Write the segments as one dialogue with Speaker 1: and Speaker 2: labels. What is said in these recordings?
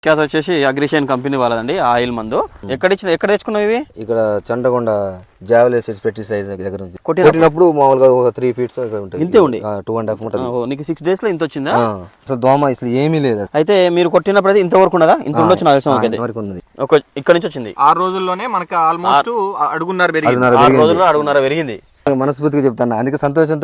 Speaker 1: విఖ్యాత వచ్చేసి అగ్రిషియన్ company వాళ్ళదండి oil మందు. ఎక్కడ తెచ్చుకున్నావు ఇవి?
Speaker 2: ఇక్కడ చండకొండ జావెల్ పెస్టిసైడ్ దగ్గర ఉంది. కొట్టినప్పుడు మామూలుగా ఒక 3 feet ఉంటుంది.
Speaker 1: ఇంతే ఉండి
Speaker 2: 2.5 ఉంటుంది.
Speaker 1: నీకు 6 days లో ఇంత వచ్చిందా?
Speaker 2: అసలు దోమ అసలు ఏమీ లేదు.
Speaker 1: అయితే మీరు కొట్టినప్పుడు అయితే ఇంతవరకు ఉన్నదా? ఇంత ఉండొచ్చు నాకు
Speaker 2: వరకు ఉంది.
Speaker 1: ఇక్కడ నుంచి వచ్చింది
Speaker 3: 6 రోజుల్లోనే మనకి ఆల్మోస్ట్ అడుగున్నర పెరిగింది.
Speaker 1: 6 రోజుల్లో అడుగున్నర పెరిగింది.
Speaker 2: మనస్ఫూర్తిగా చెప్తాను. అందుకే సంతోషంతో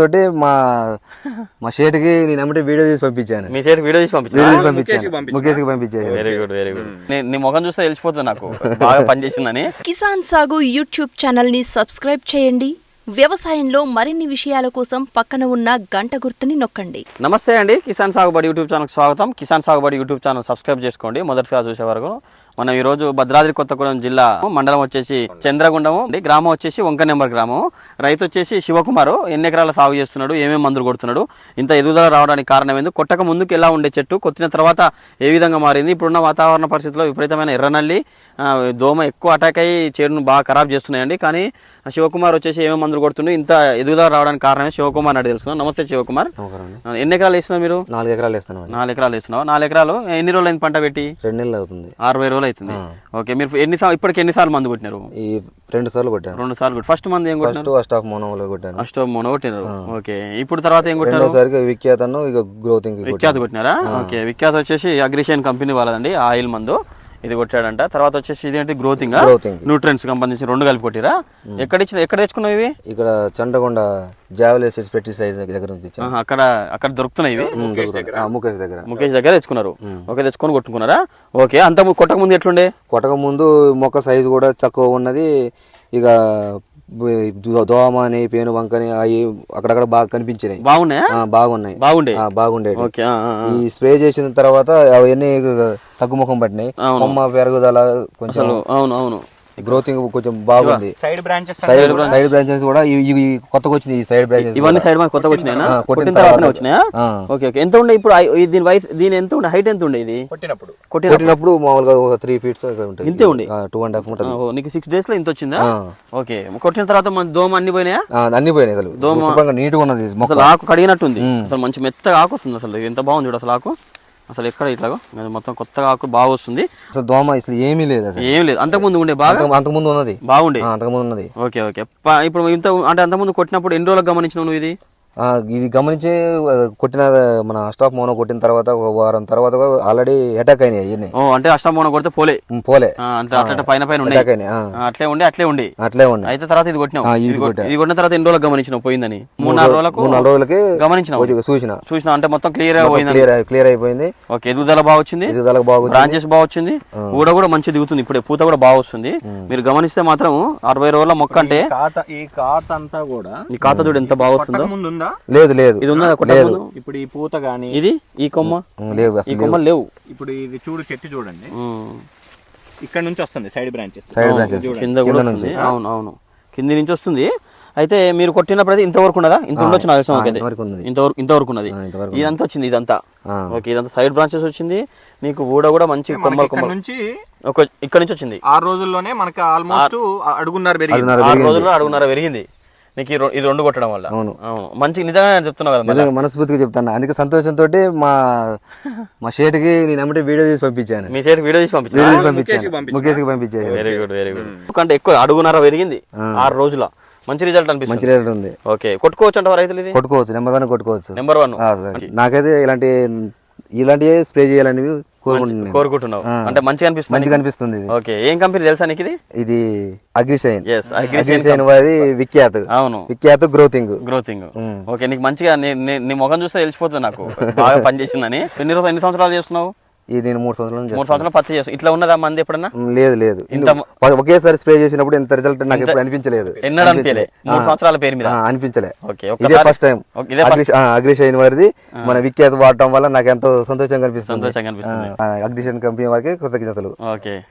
Speaker 2: మా షేట్కి నేను అమ్మటే వీడియో తీసి పంపించాను.
Speaker 1: మీ షేట్ వీడియో తీసి పంపించాను.
Speaker 2: ముఖేష్కి పంపించాను.
Speaker 1: Very good very good. నీ ముఖం చూస్తే తెలిసిపోతుంది నాకు బాగా పనిచేసిందని.
Speaker 4: కిసాన్ సాగు యూట్యూబ్ ఛానల్ ని సబ్స్క్రైబ్ చేయండి. వ్యవసాయంలో మరిన్ని విషయాల కోసం పక్కన ఉన్న గంట గుర్తుని నొక్కండి.
Speaker 1: నమస్తే అండి, కిసాన్ సాగుబడి యూట్యూబ్ ఛానల్కి స్వాగతం. కిసాన్ సాగుబడి యూట్యూబ్ ఛానల్ సబ్స్క్రైబ్ చేసుకోండి మొదటిసారి చూసే వరకు. మనం ఈ రోజు భద్రాద్రి కొత్తగూడెం జిల్లా, మండలం వచ్చేసి చంద్రగుండము, గ్రామం వచ్చేసి వంక నెంబర్ గ్రామం. రైతు వచ్చేసి శివకుమారు. ఎన్ని ఎకరాల సాగు చేస్తున్నాడు, ఏమేమి మందులు కొడుతున్నాడు, ఇంత ఎదుగుదల రావడానికి కారణం ఏంది, కొట్టక ముందుకు ఎలా ఉండే చెట్టు, కొట్టిన తర్వాత ఏ విధంగా మారింది, ఇప్పుడున్న వాతావరణ పరిస్థితుల్లో విపరీతమైన ఎర్రనల్లి, దోమ ఎక్కువ అటాక్ అయ్యి చేడును బాగా ఖరాబ్ చేస్తున్నాయండి. కానీ శివకుమార్ వచ్చేసి ఏమేమి మందులు కొడుతుండే, ఇంత ఎదుగుదల రావడానికి కారణమే శివకుమార్ అని తెలుసుకున్నాం. నమస్తే శివకుమార్. ఎన్ని ఎకరాలు వేస్తున్నారు మీరు?
Speaker 2: 4 ఎకరాలు వేస్తున్నాం.
Speaker 1: 4 ఎకరాలు వేస్తున్నావు. 4 ఎకరాలు ఎన్ని రోజులు అయింది పంట పెట్టి?
Speaker 2: 2 నెలలు అవుతుంది.
Speaker 1: 60 రోజులు అవుతుంది. ఓకే, మీరు ఇప్పటికి ఎన్నిసార్లు మందు కొట్టినారు?
Speaker 2: ఈ 2 సార్లు కొట్టాను.
Speaker 1: 2 సార్లు కొట్టి. ఫస్ట్ మంది ఏం కొట్టినారు?
Speaker 2: ఫస్ట్ ఆఫ్ మోనోలో కొట్టాను.
Speaker 1: ఫస్ట్ మోనో కొట్టినారు. ఓకే, ఇప్పుడు తర్వాత ఏం కొట్టినారు?
Speaker 2: రెండోసారి విఖ్యాతను ఇక గ్రోతింగ్
Speaker 1: విఖ్యాత కొట్టినారా? ఓకే, విఖ్యాత వచ్చేసి అగ్రిషియన్ కంపెనీ వాళ్ళదండి ఆయిల్ మందు. ఇది కొట్టాడంట. తర్వాత వచ్చేసి ఇదేంటి గ్రోతింగ్ న్యూట్రియన్స్ సంబంధించి 2 కలిపి కొట్టిరా? ఎక్కడ తెచ్చుకున్నావు ఇవి?
Speaker 2: ఇక్కడ చండకొండ జావెల్ పెస్టిసైడ్ దగ్గర ఉంది.
Speaker 1: అక్కడ దొరుకుతున్నాయి ఇవి.
Speaker 2: ముఖేష్
Speaker 1: దగ్గర తెచ్చుకున్నారు. ఓకే, తెచ్చుకొని కొట్టుకున్నారా? ఓకే, అంత కొట్టక ముందు ఎట్లుండే?
Speaker 2: కొట్టక ముందు మొక్క సైజు కూడా తక్కువ ఉన్నది. ఇక దోమ అని పేను బంకని అవి అక్కడక్కడ బాగా కనిపించినాయి. బాగుండే. ఈ స్ప్రే చేసిన తర్వాత అవన్నీ తగ్గుముఖం పట్టినాయి. కొమ్మ పెరుగుదల కొంచెం
Speaker 1: అవును
Speaker 2: గ్రోతింగ్ కొంచెం బాగుంది.
Speaker 3: సైడ్
Speaker 2: బ్రాంచెస్ కూడా కొత్తగా వచ్చినాయి. సైడ్ బ్రాంచెస్
Speaker 1: ఇవన్నీ సైడ్ కొత్తగా వచ్చినాయా? కొట్టిన తర్వాత వచ్చినాయా? Okay okay. ఎంత ఉండే ఇప్పుడు దీని వయసు? దీని ఎంత ఉండే హైట్? ఎంత ఉండే ఇది
Speaker 2: కొట్టినప్పుడు? మామూలుగా ఒక 3 feet ఉంటుంది.
Speaker 1: ఇంతే ఉండే
Speaker 2: 2.5 ఉంటుంది.
Speaker 1: నీకు 6 days లో ఇంత వచ్చిందా? ఓకే, కొట్టిన తర్వాత మన దోమ అన్ని పోయినాయా?
Speaker 2: అన్ని పోయినాయి. అసలు దోమ నీట్ గా ఉన్నది.
Speaker 1: అసలు ఆకు కడిగినట్టుంది. అసలు మంచి మెత్తగా ఆకు వస్తుంది. అసలు ఎంత బాగుంది చూడు అసలు ఆకు. అసలు ఎక్కడ ఇట్లాగో మొత్తం కొత్తగా ఆకు బాగా వస్తుంది.
Speaker 2: అసలు దోమ అసలు ఏమీ లేదు.
Speaker 1: ఏం లేదు. అంతకుముందు ఉండే బాగా?
Speaker 2: అంతకుముందు ఉన్నది
Speaker 1: బాగుండే.
Speaker 2: అంతకుముందు ఉన్నది.
Speaker 1: Okay okay. ఇప్పుడు ఇంత అంటే అంతకుముందు కొట్టినప్పుడు ఎన్ని రోజులకు గమనించినావు నువ్వు ఇది?
Speaker 2: ఇది గమనించి కొట్టిన మన అస్టాఫ్ మోనో కొట్టిన తర్వాత ఒక వారం తర్వాత ఆల్రెడీ అటాక్ అయినాయి.
Speaker 1: అంటే అస్టాఫ్ మోనో కొడితే పోలే అంటే అట్లా పైన అట్లే ఉండి అయితే తర్వాత ఇది కొట్టినావు. ఇది కొట్టిన తర్వాత ఎన్ని రోజులకు గమనించినావు పోయిందని? 3-4 రోజులకి గమనించినావు. చూసినా అంటే మొత్తం క్లియర్ అయిపోయింది. ఓకే, ఎదుగుదల బాగా వచ్చింది. బ్రాంచెస్ బాగా వచ్చింది. కూడా మంచి దిగుతుంది. ఇప్పుడు పూత కూడా బాగా వస్తుంది. మీరు గమనిస్తే మాత్రం 60 రోజుల మొక్క అంటే
Speaker 3: ఈ కాత అంతా కూడా
Speaker 1: ఈ కాత చూడు ఎంత బాగా వస్తుందో.
Speaker 2: లేదు
Speaker 1: ఇది ఉందా?
Speaker 3: ఇప్పుడు ఈ పూత గానీ
Speaker 1: ఇది ఈ కొమ్మ లేవు.
Speaker 3: ఇప్పుడు ఇది చూడు, చెట్టు చూడండి, ఇక్కడ నుంచి వస్తుంది సైడ్ బ్రాంచెస్
Speaker 1: కింద కూడా వస్తుంది. అవును, కింది నుంచి వస్తుంది. అయితే మీరు కొట్టినప్పుడు అయితే ఇంతవరకు ఉన్నదా? ఇంత ఉండొచ్చు నాకు ఇంతవరకు ఉన్నది. ఇదంతా వచ్చింది. ఇదంతా ఓకే, ఇదంతా సైడ్ బ్రాంచెస్ వచ్చింది. నీకు కూడా మంచి కొమ్మ
Speaker 3: నుంచి
Speaker 1: ఇక్కడ నుంచి వచ్చింది.
Speaker 3: 6 రోజుల్లోనే మనకి ఆల్మోస్ట్ అడుగున్నర పెరిగింది.
Speaker 1: 6 రోజుల్లో అడుగున్నర పెరిగింది. నీకు ఇది 2 కొట్టడం వల్ల. అవును, మంచి నిజంగా చెప్తున్నావు కదా.
Speaker 2: మనస్ఫూర్తిగా చెప్తాను. అందుకే సంతోషంతో మా షేట్కి నేను అమ్మటే వీడియో తీసి పంపించాను.
Speaker 1: మీ షేట్ వీడియో తీసి పంపించాను.
Speaker 2: ముఖేష్కి పంపించాను.
Speaker 1: Very good. ఎందుకంటే ఎక్కువ అడుగున్నర పెరిగింది 6 రోజుల. మంచి రిజల్ట్ అనిపిస్తుంది.
Speaker 2: మంచి రిజల్ట్ ఉంది.
Speaker 1: ఓకే, కొట్టుకోవచ్చు అంట రైతులు? ఇది
Speaker 2: కొట్టుకోవచ్చు. నెంబర్ 1 కొట్టుకోవచ్చు.
Speaker 1: నెంబర్ 1.
Speaker 2: నాకైతే ఇలాంటివి స్ప్రే చేయాలని
Speaker 1: కోరుకుంటున్నావు. అంటే మంచిగా
Speaker 2: అనిపిస్తుంది.
Speaker 1: ఓకే, ఏం కంపెనీ తెలుసా నీకు? ఇది
Speaker 2: అగ్రిషియన్ వారి విఖ్యాత గ్రోతింగ్.
Speaker 1: ఓకే, నీకు మంచిగా నీ ముఖం చూస్తే తెలిసిపోతుంది నాకు బాగా పనిచేసిందని. ఎన్ని సంవత్సరాలు చేస్తున్నావు?
Speaker 2: నేను 3
Speaker 1: సంవత్సరాలు పత్తి చేస్తాను. ఇట్లా ఉన్నదా మంది ఎప్పుడన్నా?
Speaker 2: లేదు. ఒకేసారి స్ప్రే చేసినప్పుడు ఇంత రిజల్ట్ నాకు ఎప్పుడు అనిపించలేదు.
Speaker 1: 3 సంవత్సరాల పేరు మీద
Speaker 2: అనిపించలే. ఇదే ఫస్ట్ టైం అగ్రిషియన్ వారిది మన విఖ్యాత వాడటం వల్ల నాకు ఎంతో సంతోషంగా అనిపిస్తుంది. అగ్రిషియన్ కంపెనీ వారికి కృతజ్ఞతలు.
Speaker 1: ఓకే.